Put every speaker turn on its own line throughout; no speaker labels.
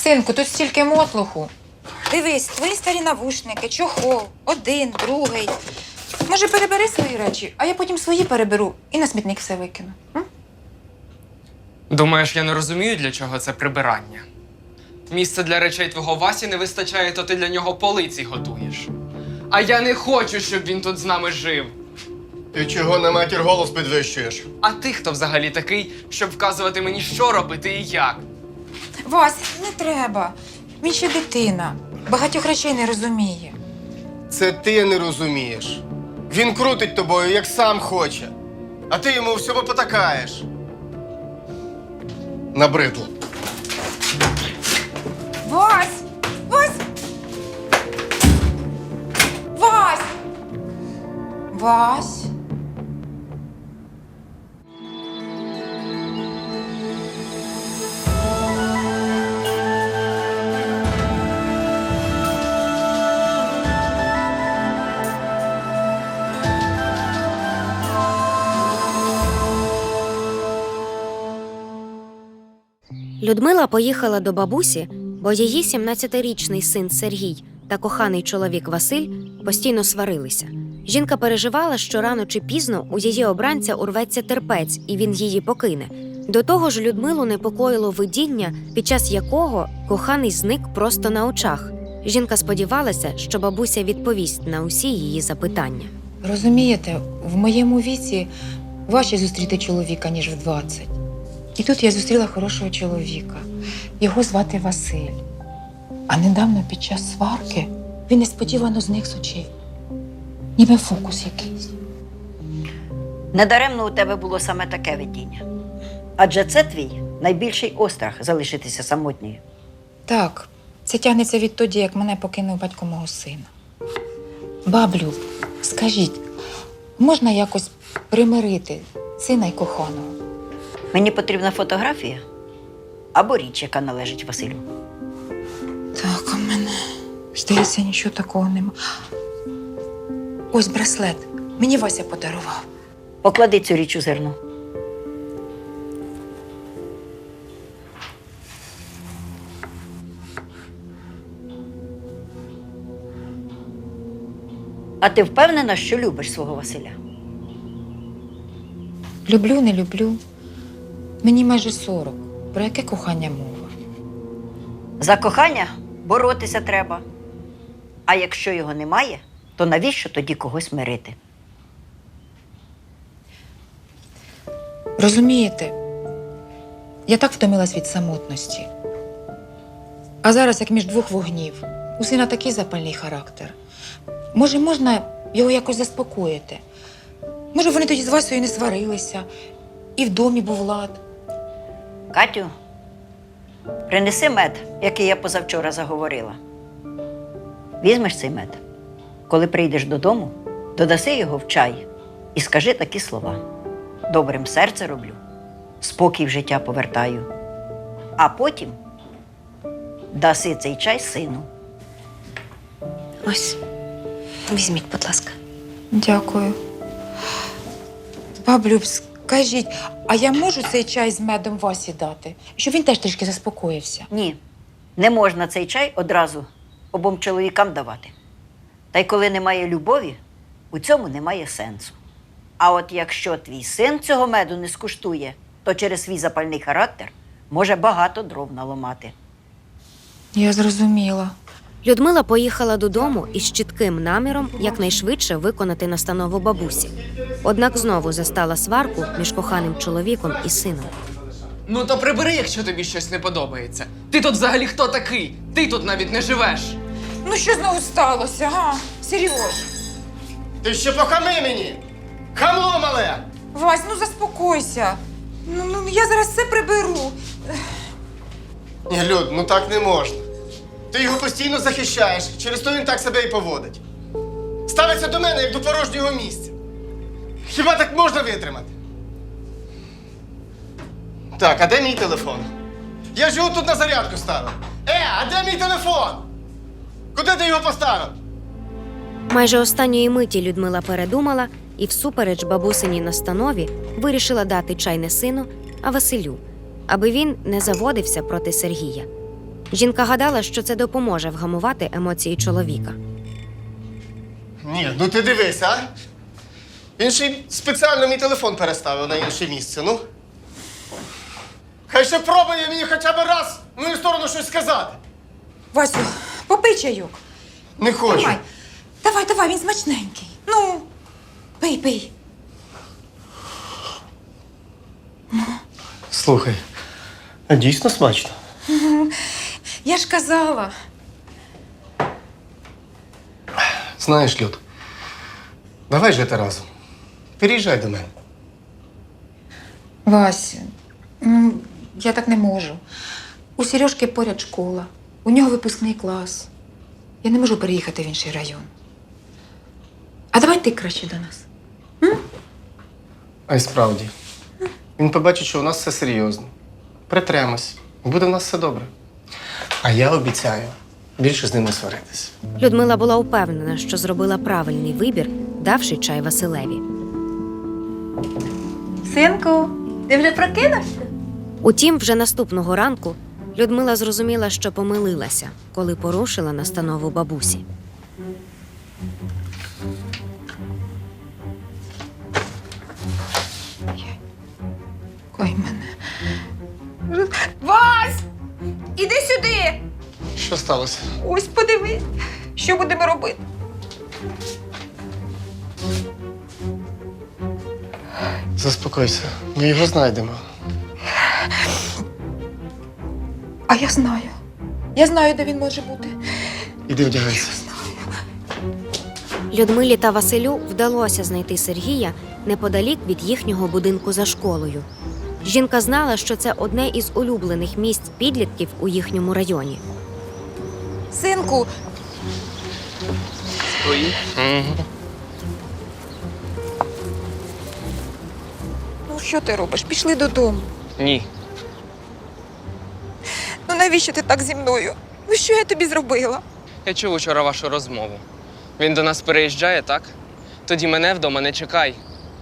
Синку, тут стільки мотлуху. Дивись, твої старі навушники, чохол, один, другий. Може, перебери свої речі, а я потім свої переберу і на смітник все викину.
Думаєш, я не розумію, для чого це прибирання? Місця для речей твого Васі не вистачає, то ти для нього полиці готуєш. А я не хочу, щоб він тут з нами жив.
Ти чого на матір голос підвищуєш?
А ти хто взагалі такий, щоб вказувати мені, що робити і як?
Вась, не треба. Він ще дитина. Багатьох речей не розуміє.
Це ти не розумієш. Він крутить тобою, як сам хоче. А ти йому всьому потакаєш. Набридло.
Вась! Вась! Вась! Вась!
Людмила поїхала до бабусі, бо її 17-річний син Сергій та коханий чоловік Василь постійно сварилися. Жінка переживала, що рано чи пізно у її обранця урветься терпець, і він її покине. До того ж, Людмилу непокоїло видіння, під час якого коханий зник просто на очах. Жінка сподівалася, що бабуся відповість на усі її запитання.
Розумієте, в моєму віці важче зустріти чоловіка, ніж в 20. І тут я зустріла хорошого чоловіка. Його звати Василь. А недавно під час сварки він несподівано зник з очей. Ніби фокус якийсь.
Недаремно у тебе було саме таке видіння. Адже це твій найбільший острах залишитися самотньою.
Так, це тягнеться відтоді, як мене покинув батько мого сина. Баблю, скажіть, можна якось примирити сина й коханого?
Мені потрібна фотографія або річ, яка належить Василю.
Так, у мене, здається, нічого такого нема. Ось браслет. Мені Вася подарував.
Поклади цю річ у зерно. А ти впевнена, що любиш свого Василя?
Люблю, не люблю. Мені майже 40. Про яке кохання мова?
За кохання боротися треба. А якщо його немає, то навіщо тоді когось мирити?
Розумієте, я так втомилась від самотності. А зараз, як між двох вогнів, у сина такий запальний характер. Може, можна його якось заспокоїти? Може, вони тоді з Васею не сварилися, і в домі був лад.
Катю, принеси мед, який я позавчора заговорила. Візьмеш цей мед. Коли прийдеш додому, додаси його в чай і скажи такі слова. Добрим серце роблю, спокій в життя повертаю. А потім даси цей чай сину.
Ось, візьміть, будь ласка.
Дякую. Баблю, скажіть, а я можу цей чай з медом Васі дати? Щоб він теж трішки заспокоївся.
Ні, не можна цей чай одразу обом чоловікам давати. Та й коли немає любові, у цьому немає сенсу. А от якщо твій син цього меду не скуштує, то через свій запальний характер може багато дров наламати.
Я зрозуміла.
Людмила поїхала додому із чітким наміром якнайшвидше виконати настанову бабусі. Однак знову застала сварку між коханим чоловіком і сином.
Ну то прибери, якщо тобі щось не подобається. Ти тут взагалі хто такий? Ти тут навіть не живеш.
Ну що знову сталося, га? Серйоз.
Ти ще похами мені! Хамло мале!
Вась, ну заспокойся. Ну я зараз все приберу.
Ні, Люд, ну так не можна. Ти його постійно захищаєш, через то він так себе і поводить. Ставиться до мене, як до порожнього місця. Хіба так можна витримати? Так, а де мій телефон? Я ж його тут на зарядку ставив. А де мій телефон? Куди ти його поставив?
Майже останньої миті Людмила передумала і всупереч бабусиній настанові вирішила дати чай не сину, а Василю, аби він не заводився проти Сергія. Жінка гадала, що це допоможе вгамувати емоції чоловіка.
Ні, ну ти дивись, а? Він ще й спеціально мій телефон переставив на інше місце, ну. Хай ще пробує мені хоча б раз в мою сторону щось сказати.
Васю, попий чайок.
Не хочу.
Давай. Давай, він смачненький. Ну, пий.
Слухай, а дійсно смачно.
Я ж казала.
Знаєш, Люд, давай жити разом. Переїжджай до мене.
Вася, я так не можу. У Сережки поряд школа, у нього випускний клас. Я не можу переїхати в інший район. А давай ти краще до нас.
А й справді. Він побачить, що у нас все серйозно. Притремось. Буде в нас все добре. А я обіцяю більше з ним не сваритись.
Людмила була упевнена, що зробила правильний вибір, давши чай Василеві.
Синку, ти вже прокинувся?
Утім, вже наступного ранку Людмила зрозуміла, що помилилася, коли порушила настанову бабусі.
Ой, мене. Вась! Іди сюди!
Що сталося?
Ось подивись, що будемо робити.
Заспокойся, ми його знайдемо.
А я знаю. Я знаю, де він може бути.
Іди вдягайся.
Людмилі та Василю вдалося знайти Сергія неподалік від їхнього будинку за школою. Жінка знала, що це одне із улюблених місць підлітків у їхньому районі.
Синку,
Твої?
ну що ти робиш? Пішли додому.
Ні.
Ну навіщо ти так зі мною? Ну що я тобі зробила?
Я чув учора вашу розмову. Він до нас переїжджає, так? Тоді мене вдома не чекай.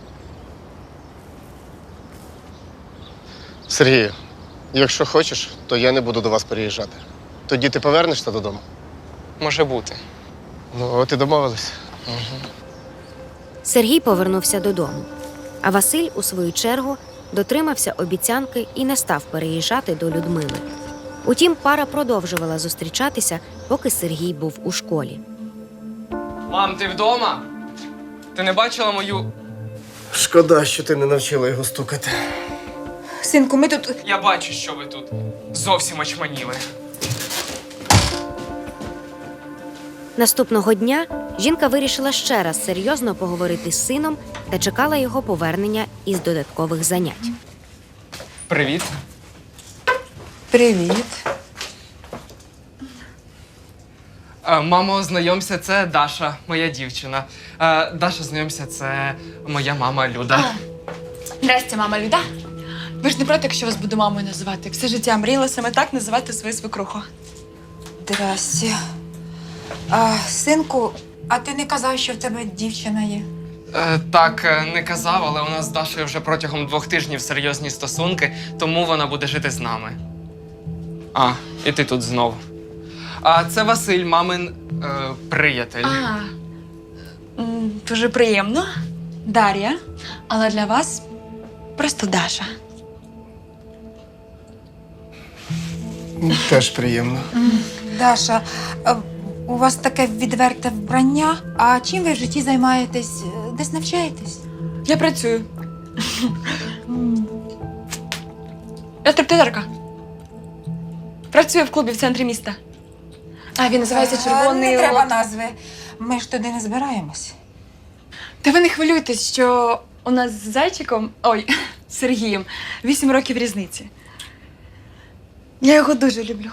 Сергію, якщо хочеш, то я не буду до вас переїжджати. Тоді ти повернешся додому?
Може бути.
Ну, от і домовились.
Сергій повернувся додому, а Василь, у свою чергу, дотримався обіцянки і не став переїжджати до Людмили. Утім, пара продовжувала зустрічатися, поки Сергій був у школі.
Мам, ти вдома? Ти не бачила мою.
Шкода, що ти не навчила його стукати.
Синку, ми тут.
Я бачу, що ви тут. Зовсім очманіли.
Наступного дня жінка вирішила ще раз серйозно поговорити з сином та чекала його повернення із додаткових занять.
Привіт.
Привіт.
Мамо, знайомся, це Даша, моя дівчина. Даша, знайомся, це моя мама Люда.
Здрасте, мама Люда. Ви ж не проти, якщо вас буду мамою називати. Все життя мріяла саме так називати свою свекруху.
Здрасте. Синку, а ти не казав, що в тебе дівчина є?
Так, не казав, але у нас з Дашою вже протягом 2 тижнів серйозні стосунки, тому вона буде жити з нами. І ти тут знов. Це Василь, мамин приятель.
Дуже приємно. Дар'я. Але для вас просто Даша.
Теж приємно.
Даша, у вас таке відверте вбрання. А чим ви в житті займаєтесь? Десь навчаєтесь?
Я працюю. Я стриптизерка. Працюю в клубі в центрі міста. Він називається Червоний
Не треба
Лот.
назви. Ми ж туди не збираємось.
Та ви не хвилюйтесь, що у нас з зайчиком, з Сергієм, 8 років різниці. Я його дуже люблю.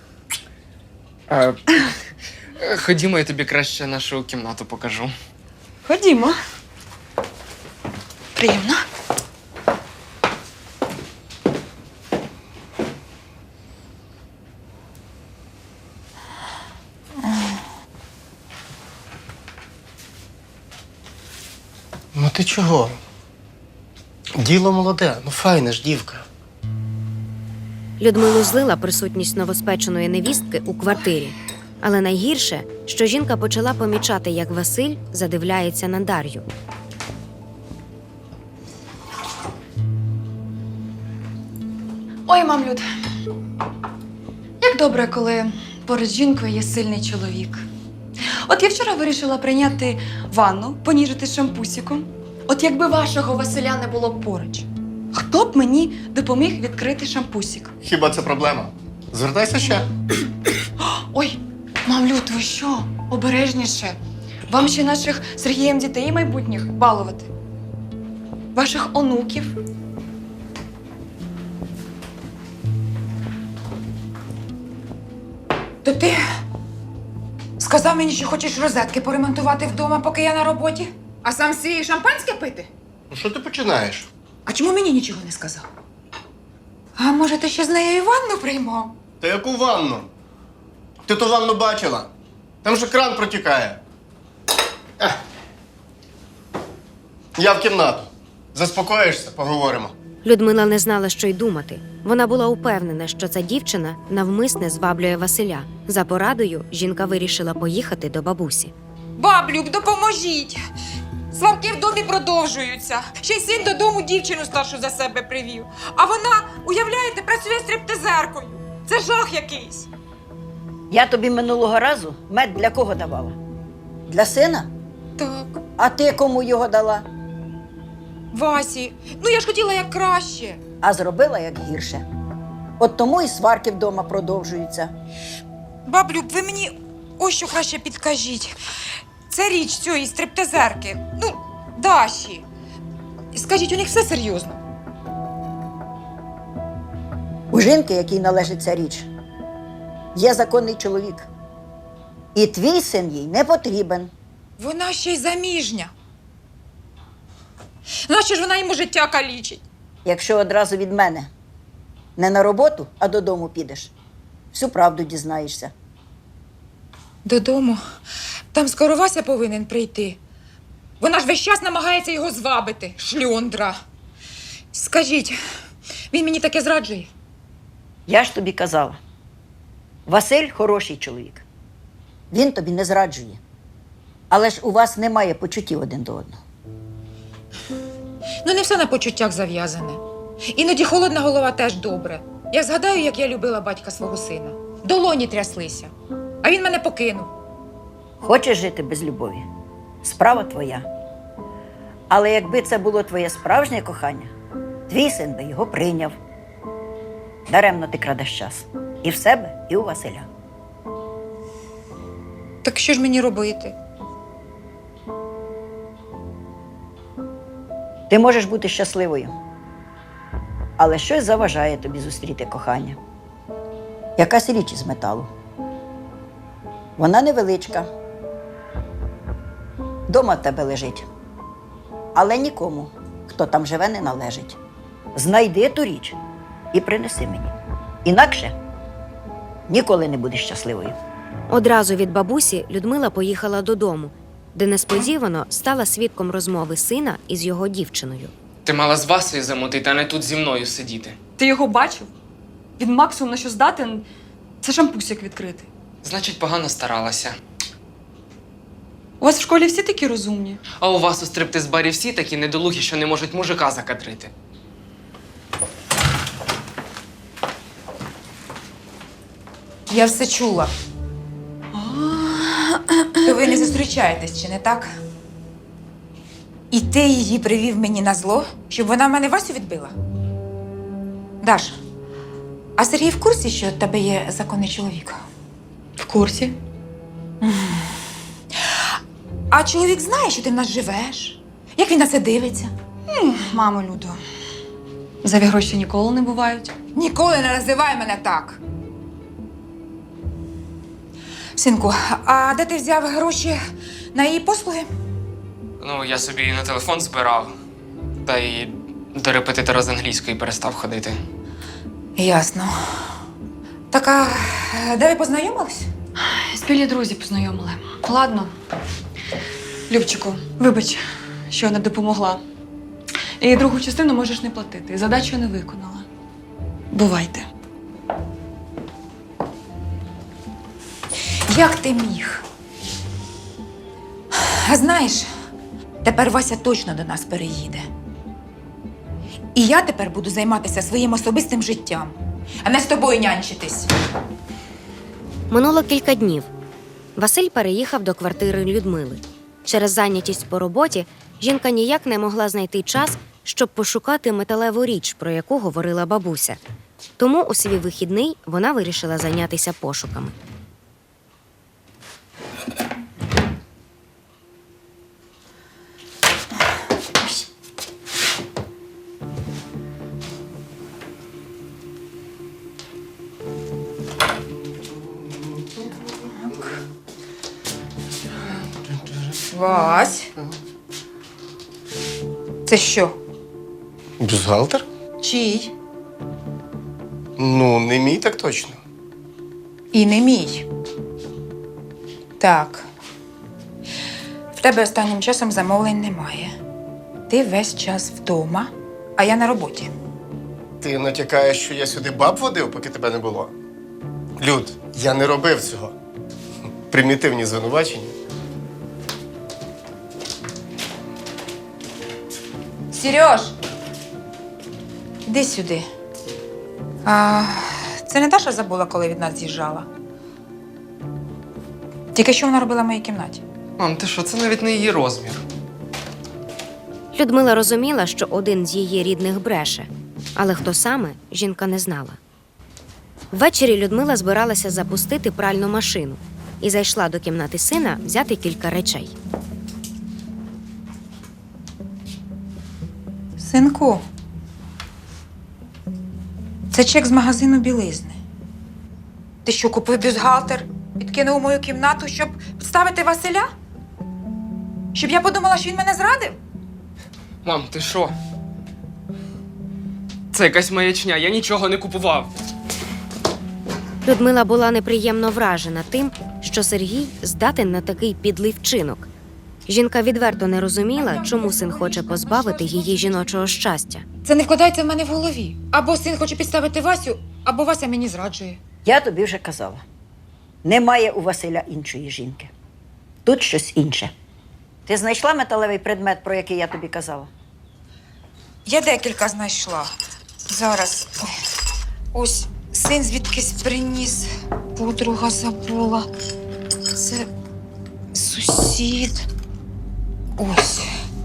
Ходімо, я тобі краще нашу кімнату покажу.
Ходімо. Приємно.
Ну ти чого? Діло молоде, ну файна ж дівка.
Людмилу злила присутність новоспеченої невістки у квартирі. Але найгірше, що жінка почала помічати, як Василь задивляється на Дар'ю.
Ой, мам, Люд, як добре, коли поруч з жінкою є сильний чоловік. От я вчора вирішила прийняти ванну, поніжити шампусиком. От якби вашого Василя не було поруч, хто б мені допоміг відкрити шампусик?
Хіба це проблема? Звертайся ще.
Ой, мам, Люд, ви що? Обережніше. Вам ще наших з Сергієм дітей майбутніх балувати. Ваших онуків.
То ти сказав мені, що хочеш розетки поремонтувати вдома, поки я на роботі, а сам свій шампанське пити?
Ну що ти починаєш?
А чому мені нічого не сказав? А може, ти ще з нею і ванну приймав?
Та яку ванну? Ти ту ванну бачила? Там же кран протікає. Ех. Я в кімнату. Заспокоїшся, поговоримо.
Людмила не знала, що й думати. Вона була упевнена, що ця дівчина навмисне зваблює Василя. За порадою жінка вирішила поїхати до бабусі.
Баблюк, допоможіть! Сварки в домі продовжуються. Ще й син додому дівчину старшу за себе привів. А вона, уявляєте, працює стриптизеркою. Це жах якийсь.
Я тобі минулого разу мед для кого давала? Для сина?
Так,
А ти кому його дала?
Васі, ну я ж хотіла як краще.
А зробила як гірше. От тому і сварки вдома продовжуються.
Баблюк, ви мені ось що краще підкажіть. Це річ цієї стриптизерки. Ну, Даші. Скажіть, у них все серйозно?
У жінки, якій належить ця річ, є законний чоловік. І твій син їй не потрібен.
Вона ще й заміжня. Нащо ж вона йому життя калічить?
Якщо одразу від мене не на роботу, а додому підеш, всю правду дізнаєшся.
Додому? Там скоро Вася повинен прийти. Вона ж весь час намагається його звабити, шльондра. Скажіть, він мені таке зраджує?
Я ж тобі казала, Василь хороший чоловік. Він тобі не зраджує. Але ж у вас немає почуттів один до одного.
Ну, не все на почуттях зав'язане. Іноді холодна голова теж добре. Я згадаю, як я любила батька свого сина. Долоні тряслися. А він мене покинув.
Хочеш жити без любові? Справа твоя. Але якби це було твоє справжнє кохання, твій син би його прийняв. Даремно ти крадеш час. І в себе, і у Василя.
Так що ж мені робити?
Ти можеш бути щасливою, але щось заважає тобі зустріти кохання. Якась річ із металу. Вона невеличка. Дома в тебе лежить. Але нікому, хто там живе, не належить. Знайди ту річ і принеси мені. Інакше ніколи не будеш щасливою.
Одразу від бабусі Людмила поїхала додому, де несподівано стала свідком розмови сина із його дівчиною.
Ти мала з Васею замутити, а не тут зі мною сидіти.
Ти його бачив? Він максимум на що здатен – це шампусик відкрити.
Значить, погано старалася.
У вас в школі всі такі розумні?
А у вас у стриптиз-барі всі такі недолугі, що не можуть мужика закадрити.
Я все чула. То ви не зустрічаєтесь, чи не так? І ти її привів мені на зло, щоб вона в мене Васю відбила? Даш, а Сергій в курсі, що в тебе є законний чоловік?
В курсі.
А чоловік знає, що ти в нас живеш? Як він на це дивиться?
Мамо, Людо, зайві гроші ніколи не бувають.
Ніколи не називай мене так. Синку, а де ти взяв гроші на її послуги?
Ну, я собі на телефон збирав, та й до репетитора з англійської перестав ходити.
Ясно. Так, а де ви познайомились?
Спільні друзі познайомили. Ладно. Любчику, вибач, що не допомогла. І другу частину можеш не платити. Задачу не виконала. Бувайте.
Як ти міг? А знаєш, тепер Вася точно до нас переїде. І я тепер буду займатися своїм особистим життям, а не з тобою нянчитись.
Минуло кілька днів. Василь переїхав до квартири Людмили. Через зайнятість по роботі жінка ніяк не могла знайти час, щоб пошукати металеву річ, про яку говорила бабуся. Тому у свій вихідний вона вирішила зайнятися пошуками.
Вась. Це що?
Бюстгальтер?
Чий?
Ну, не мій так точно.
І не мій. Так. В тебе останнім часом замовлень немає. Ти весь час вдома, а я на роботі.
Ти натякаєш, що я сюди баб водив, поки тебе не було? Люд, я не робив цього. Примітивні звинувачення.
Сереж! Іди сюди. Це не Даша забула, коли від нас з'їжджала? Тільки що вона робила в моїй кімнаті?
Мам, ти що, це навіть не її розмір.
Людмила розуміла, що один з її рідних бреше, але хто саме, жінка не знала. Ввечері Людмила збиралася запустити пральну машину і зайшла до кімнати сина взяти кілька речей.
Синку, це чек з магазину білизни. Ти що, купив бюстгальтер, підкинув у мою кімнату, щоб підставити Василя? Щоб я подумала, що він мене зрадив?
Мам, ти що? Це якась маячня, я нічого не купував.
Людмила була неприємно вражена тим, що Сергій здатен на такий підлий вчинок. Жінка відверто не розуміла, чому син хоче позбавити її жіночого щастя.
Це не вкладається в мене в голові. Або син хоче підставити Васю, або Вася мені зраджує.
Я тобі вже казала. Немає у Василя іншої жінки. Тут щось інше. Ти знайшла металевий предмет, про який я тобі казала?
Я декілька знайшла. Зараз. Ой. Ось син звідкись приніс. Подруга забула. Це сусід. Ось.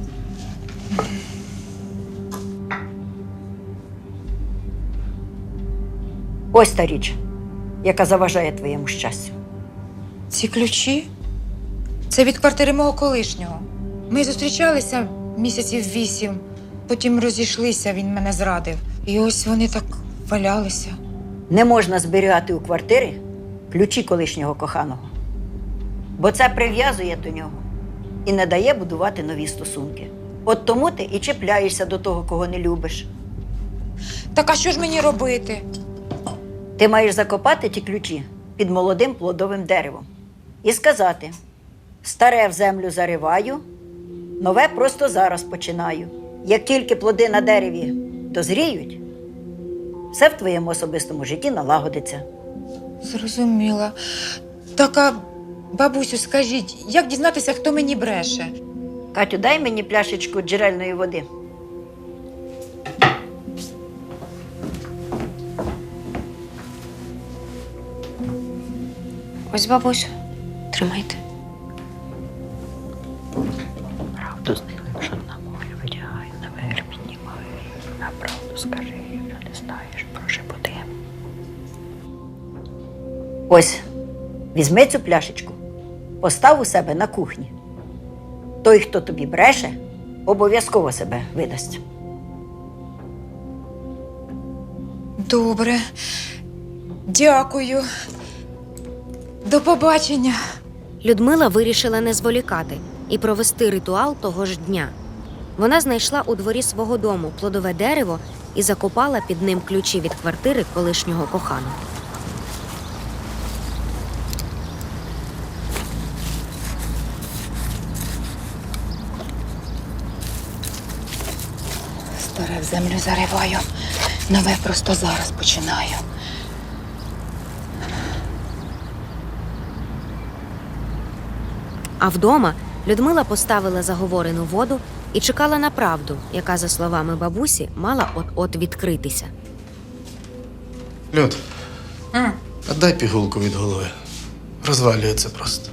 Ось та річ, яка заважає твоєму щастю.
Ці ключі? Це від квартири мого колишнього. Ми зустрічалися місяців 8, потім розійшлися, він мене зрадив. І ось вони так валялися.
Не можна зберігати у квартирі ключі колишнього коханого, бо це прив'язує до нього і не дає будувати нові стосунки. От тому ти і чіпляєшся до того, кого не любиш.
Так а що ж мені робити?
Ти маєш закопати ті ключі під молодим плодовим деревом і сказати: старе в землю зариваю, нове просто зараз починаю. Як тільки плоди на дереві дозріють, все в твоєму особистому житті налагодиться.
Зрозуміла. Так, а бабусю, скажіть, як дізнатися, хто мені бреше?
Катю, дай мені пляшечку джерельної води.
Ось, бабусю, тримайте.
Правду з ним, що на мові витягаю, наверх піднімаю. На правду скажи, що не знаєш, прошепоти. Ось, візьми цю пляшечку, постав у себе на кухні. Той, хто тобі бреше, обов'язково себе видасть.
Добре. Дякую. До побачення.
Людмила вирішила не зволікати і провести ритуал того ж дня. Вона знайшла у дворі свого дому плодове дерево і закопала під ним ключі від квартири колишнього коханого.
Старе в землю зариваю, нове просто зараз починаю.
А вдома Людмила поставила заговорену воду і чекала на правду, яка, за словами бабусі, мала от-от відкритися.
Люд, а дай пігулку від голови. Розвалюється просто.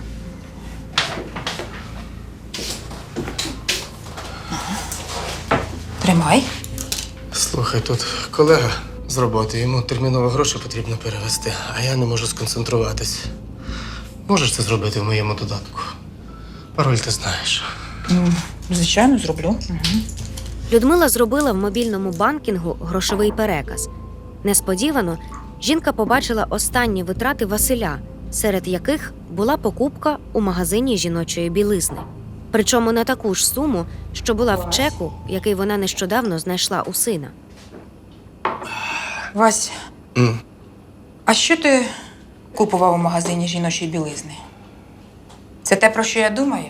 Тримай.
Слухай, тут колега з роботи, йому терміново гроші потрібно перевести, а я не можу сконцентруватись. Можеш це зробити в моєму додатку? Пароль ти знаєш.
Звичайно, зроблю.
Людмила зробила в мобільному банкінгу грошовий переказ. Несподівано жінка побачила останні витрати Василя, серед яких була покупка у магазині жіночої білизни. Причому на таку ж суму, що була в чеку, який вона нещодавно знайшла у сина.
Вась,
М.
а що ти купував у магазині жіночої білизни? Це те, про що я думаю?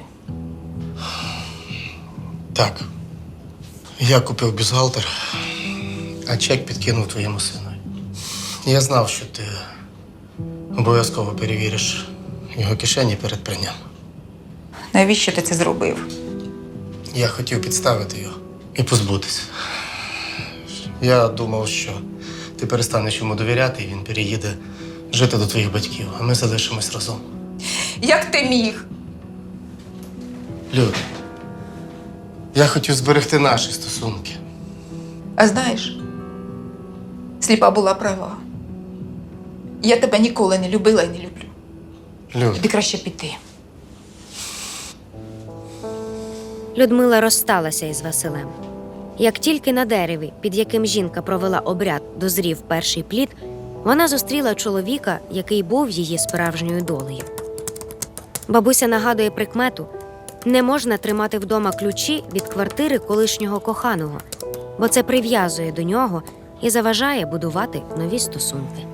Так. Я купив бюстгальтер, а чек підкинув твоєму сину. Я знав, що ти обов'язково перевіриш його кишені перед пранням.
Навіщо ти це зробив?
Я хотів підставити його і позбутися. Я думав, що ти перестанеш йому довіряти, і він переїде жити до твоїх батьків, а ми залишимось разом.
Як ти міг?
Люд, я хотів зберегти наші стосунки.
А знаєш, сліпа була права. Я тебе ніколи не любила і не люблю.
Люд,
Тобі краще піти.
Людмила розсталася із Василем. Як тільки на дереві, під яким жінка провела обряд, дозрів перший плід, вона зустріла чоловіка, який був її справжньою долею. Бабуся нагадує прикмету: не можна тримати вдома ключі від квартири колишнього коханого, бо це прив'язує до нього і заважає будувати нові стосунки.